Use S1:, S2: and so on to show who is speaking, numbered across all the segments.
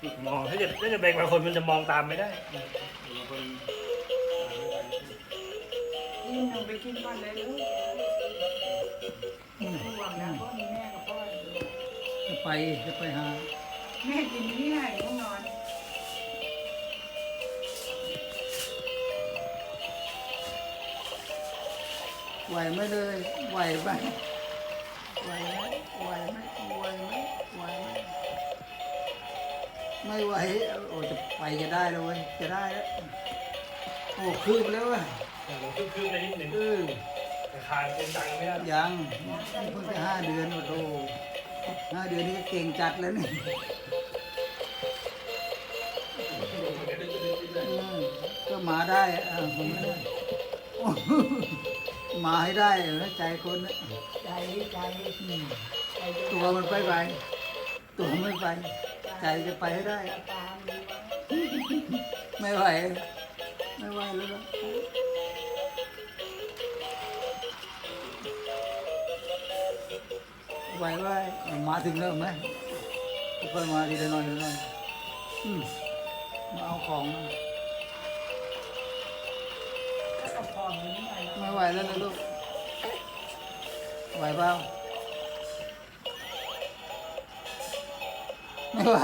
S1: มองถ้าจะแบ่งบางคนมันจะมองตามไม่ได้บางคน
S2: ยิ่งหนูไปกินก่อนเลยลูกห่วงนะเพราะมีแม่กับพ่ออยู่
S3: จะไปหา
S2: แม่กินที่ไหนห้องนอน
S3: ไหวไหมเลยไหวไหมไหวไหมไหวไหมไหวไหมไหวไหมไม่ไหวโอ้จะไปจะได้แล้วเว้ยจะได้แล้วโอ้คืบแล้วว่ะ
S1: คืบๆไปนิดหนึ่ง แต่ขาดเป็นดังไม่ได้
S3: ยังเพิ่งจะ5 เดือนโอ้โห5 เดือนนี่ก็เก่งจัดแล้วนี่ก็มาได้ผมไม่ได้โอ้มาให้ได้ใจคนนะ
S2: ใจใจ
S3: ตัวมันไปตัวไม่ไปใจจะไปให้ได้
S2: ตามดีวะ
S3: ไม่ไหวแล้วนะไหวมาถึงแล้วไหมค่อยมาทีละหน่อยมาเอาของมา
S2: ก็กระพองนิดหน่อย
S3: ไม่ไหวแล้วนะลูกไหวเปล่าไม่ไหว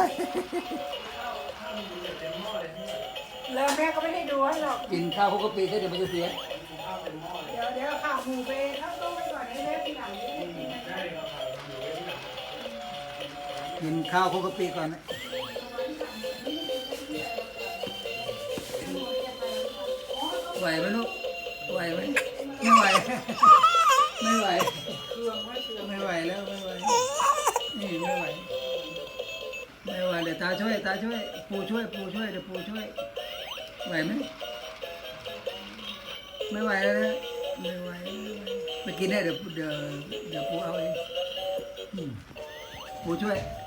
S2: แล้วแม่ก็ไม่ได้ดูให้หรอก
S3: กินข้าวคุกกะปิแค่เดี๋ยวมันจะเสีย
S2: เดี๋ยวข่าวหมูไปเข้าต้มไปก่อนให้แม่ทีหลังนี่กินอะไร
S3: กินข้าวคุกกะปิก่อนนะไหวไหมลูกไหวไหมไม่ไหวไม่ไหว
S2: เครื่องว่าเครื่อง
S3: ไม่ไหวแล้วไม่ไหวนี่ไม่ไหวเดี๋ยวตาช่วยปูช่วยเดี๋ยวปูช่วยไหวไหมไม่ไหวแล้วนะไม่ไหวไปกินได้เดี๋ยวปูเอาเองปูช่วย